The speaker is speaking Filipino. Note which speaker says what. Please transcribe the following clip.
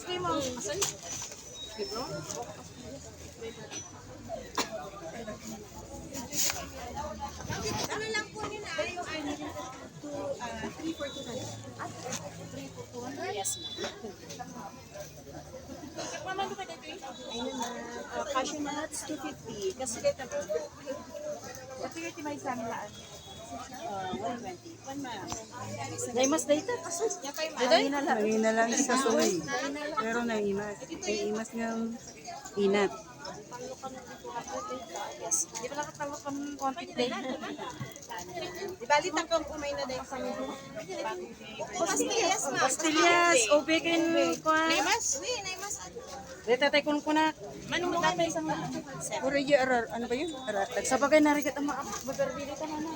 Speaker 1: Iski mo.
Speaker 2: Ano lang po nila? Yung 3 for 2 na lang. 3 for 200? Yes, ma'am. Ayun na. Cashew nuts, 250. Kasi kita po.
Speaker 1: Kasi kaya may isang laan.
Speaker 2: 120. 1 ma'am.
Speaker 1: Naimas dito.
Speaker 3: Nangina lang sa suwi. Pero naimas. Naimas ng inat.
Speaker 1: Di ba nakatawag kang quantity?
Speaker 2: Di bali takong kumay na din sa inyo. Pastillas, ma'am.
Speaker 1: Pastillas, ubikin kuan.
Speaker 2: Naimas? Uy, naimas.
Speaker 1: Dito tayo kun kuna. Manong dati isang laan.
Speaker 3: Puro yung arar. Ano ba yun? Arar.
Speaker 1: Sa bagay narigat ang mga bagarbili ka na na.